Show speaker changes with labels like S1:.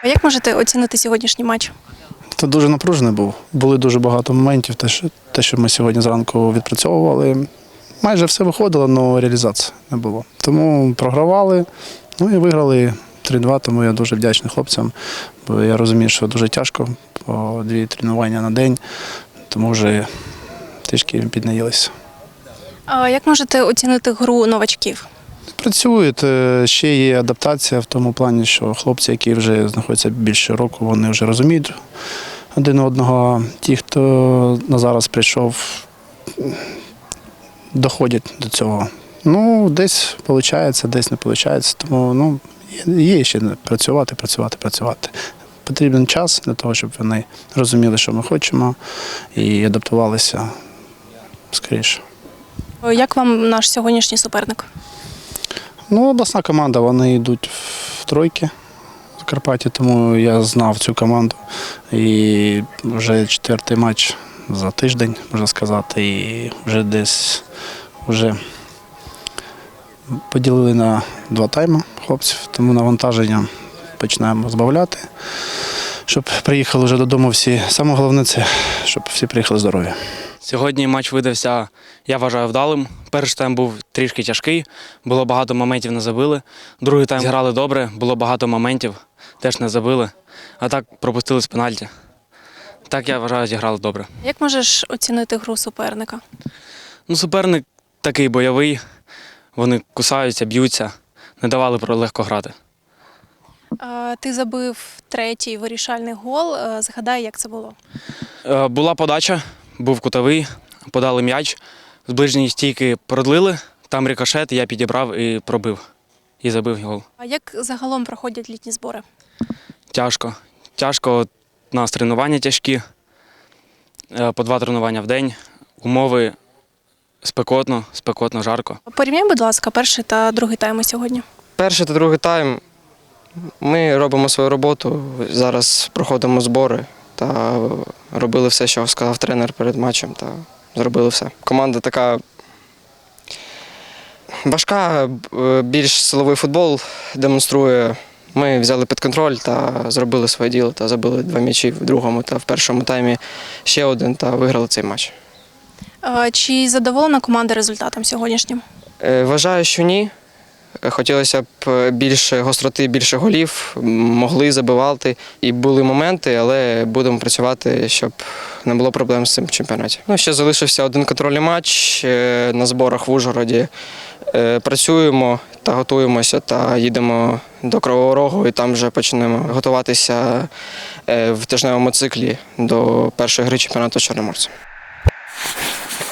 S1: Як можете оцінити сьогоднішній матч?
S2: Це дуже напружений був. Були дуже багато моментів, те, що ми сьогодні зранку відпрацьовували. Майже все виходило, але реалізації не було. Тому програвали, і виграли 3-2, тому я дуже вдячний хлопцям. Бо я розумію, що дуже тяжко, по 2 тренування на день, тому вже трішки піднаїлися.
S1: А як можете оцінити гру новачків?
S2: Працюють, ще є адаптація в тому плані, що хлопці, які вже знаходяться більше року, вони вже розуміють один одного. Ті, хто на зараз прийшов, доходять до цього. Десь виходить, десь не виходить, тому є ще працювати. Потрібен час для того, щоб вони розуміли, що ми хочемо, і адаптувалися скоріше.
S1: Як вам наш сьогоднішній суперник?
S2: Обласна команда, вони йдуть в тройки в Карпаті, тому я знав цю команду. І вже 4-й матч за тиждень, можна сказати, і вже десь поділили на 2 тайми хлопців, тому навантаження починаємо збавляти, щоб приїхали вже додому всі. Саме головне це, щоб всі приїхали здорові.
S3: Сьогодні матч видався, я вважаю, вдалим. Перший тайм був трішки тяжкий, було багато моментів, не забили. Другий тайм зіграли добре, було багато моментів, теж не забили. А так пропустили з пенальті. Так, я вважаю, зіграли добре.
S1: Як можеш оцінити гру суперника?
S3: Суперник такий бойовий, вони кусаються, б'ються, не давали легко грати.
S1: Ти забив 3-й вирішальний гол. Згадай, як це було.
S3: Була подача, був кутовий, подали м'яч, з ближньої стійки продлили, там рикошет, я підібрав і пробив, і забив гол.
S1: А як загалом проходять літні збори?
S3: Тяжко. Тяжко, у нас тренування тяжкі, по 2 тренування в день, умови спекотно, жарко.
S1: Порівняй, будь ласка, перший та другий тайми сьогодні.
S4: Перший та другий тайм ми робимо свою роботу, зараз проходимо збори та робили все, що сказав тренер перед матчем, та зробили все. Команда така важка, більш силовий футбол демонструє. Ми взяли під контроль та зробили своє діло, та забили 2 м'ячі в другому та в першому таймі ще один та виграли цей матч.
S1: Чи задоволена команда результатом сьогоднішнім?
S4: Вважаю, що ні. Хотілося б більше гостроти, більше голів, могли забивати. І були моменти, але будемо працювати, щоб не було проблем з цим в чемпіонаті. Ще залишився один контрольний матч на зборах в Ужгороді. Працюємо та готуємося, та їдемо до Кривого Рогу і там вже почнемо готуватися в тижневому циклі до першої гри чемпіонату Чорноморця.